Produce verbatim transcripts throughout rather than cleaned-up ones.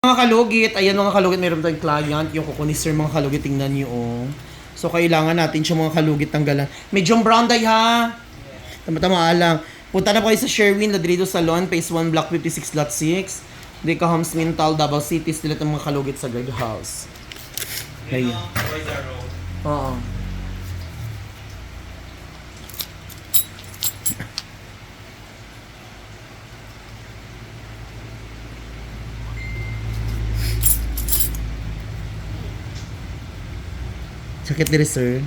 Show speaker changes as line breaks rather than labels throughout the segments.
Mga kalugit, ayan mga kalugit, mayroon tayong client, yung kukunis sir mga kalugit, tingnan nyo oh. So kailangan natin siya mga kalugit tanggalan. Medyo brown day ha. Tama-tama lang. Punta na po kayo sa Sherwin Ladrido Salon, Phase one, Block fifty-six, Lot six. Dika Homes Mintal, Davao City, sila itong mga kalugit sa guard house. Ayan. Oo. Sakit diri sir.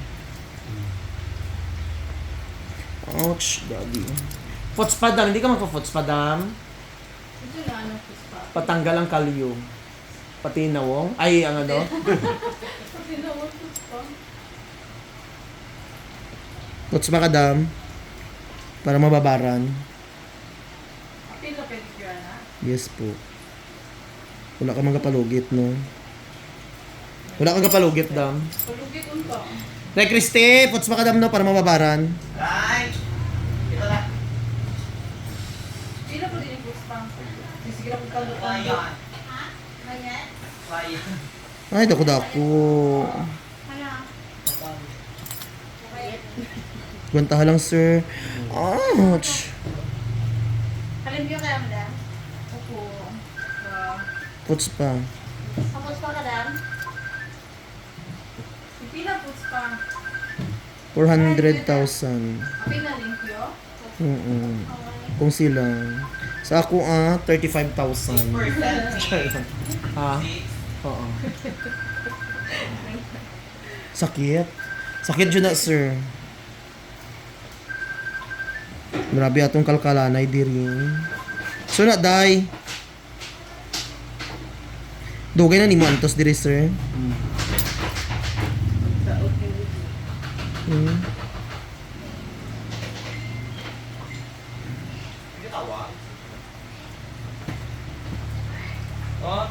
Ouch, daddy. Fots padam, hindi ka magpa-fots padam.
Ito na ano, puspa.
Patanggal ang kalyo. Pati nawong. Ay, ang ano?
Pati na ako puspa.
Fots makadam. Para mababaran.
Pila pedicure na?
Yes po. Wala ka magkapalugit, no? Wala kang kapalugit, dam.
Palugit unta.
Nay, Christy, fots makadam, no? Para mababaran.
Right! Ito na.
Pila po din yung puspa. Sige lang kung kalot.
Ayan.
Ayan.
Ayan.
Ay, dako-dako.
Hala.
Guwantaha lang, sir. Ouch.
Halim yung kaya madam? Opo. Wow.
Fots pa.
Tapos pa kadam? Pila puspa.
four hundred thousand.
Pila limpyo?
Mm Kung sila. Sa ako, ah, thirty-five thousand.
Percent.
Ha? Oo. Sakit. Sakit dyan na, sir. Grabe atong kalkalanay diri. So na, day. Dugay na ni mo antos diri, sir. Hmm.
Hindi tawa. Oh.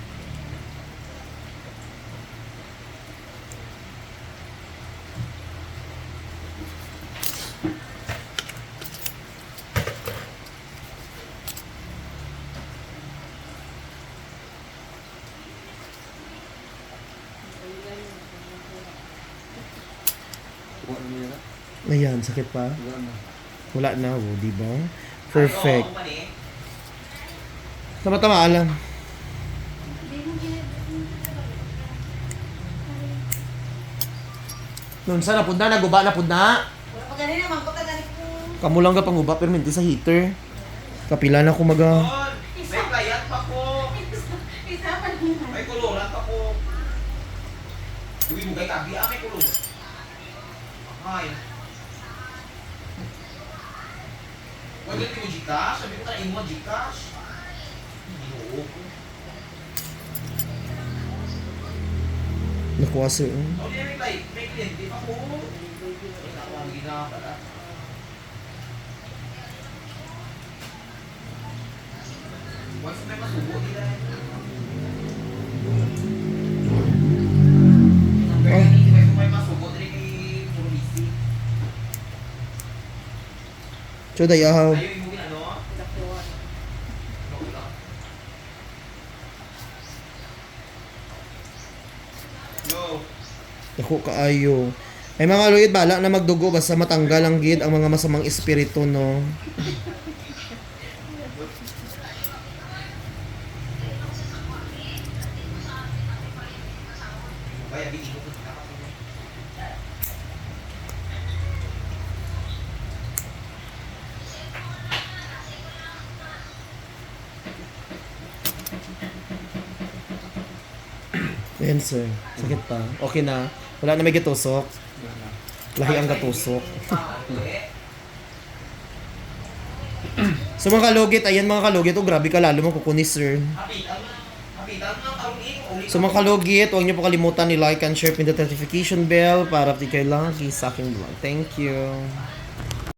Ayan, sakit pa? Wala na, oh, di ba? Perfect. Tama-tama alam. Noon sa napud na, naguba na pud na.
Wala pa ganun naman ko tagali po.
Kamu lang ka panguba pero hindi sa heater. Kapila na ko maga.
May kayat pa ko.
Isa pa naman.
May kuluran pa ko. Uwi mo kay kabi, ah, may kulong. Ay. Huwag yung mo Gcash. Sabi ko tayo mo Gcash. Ginoo ko.
Nakuha sir. oh.
Ako din may kay- may kliyente pa ko. Ay, naku, ang ginawa pala. Once may masubo nila. Pero hindi may may masubo din kay Purisi.
Choday ahaw.
Ayaw yung ano?
Dakuan.
Ako lang. Yo.
Dako kaayo. Ay mga luit bala na magdugo basta matanggal ang gid ang mga masamang espiritu no.
Kaya di ko kita.
Ayan sir. Sakit pa. Okay na. Wala na may gatusok. Lahi ang gatusok. So mga kalugit, ayan mga kalugit, oh grabe ka lalo mo kukunis sir.
Hapitan mo. Hapitan mo ng tarungin. Uli
So mga kalugit, huwag niyo po kalimutan ni like and share pin the notification bell para update kayo lagi sa aking vlog. Thank you.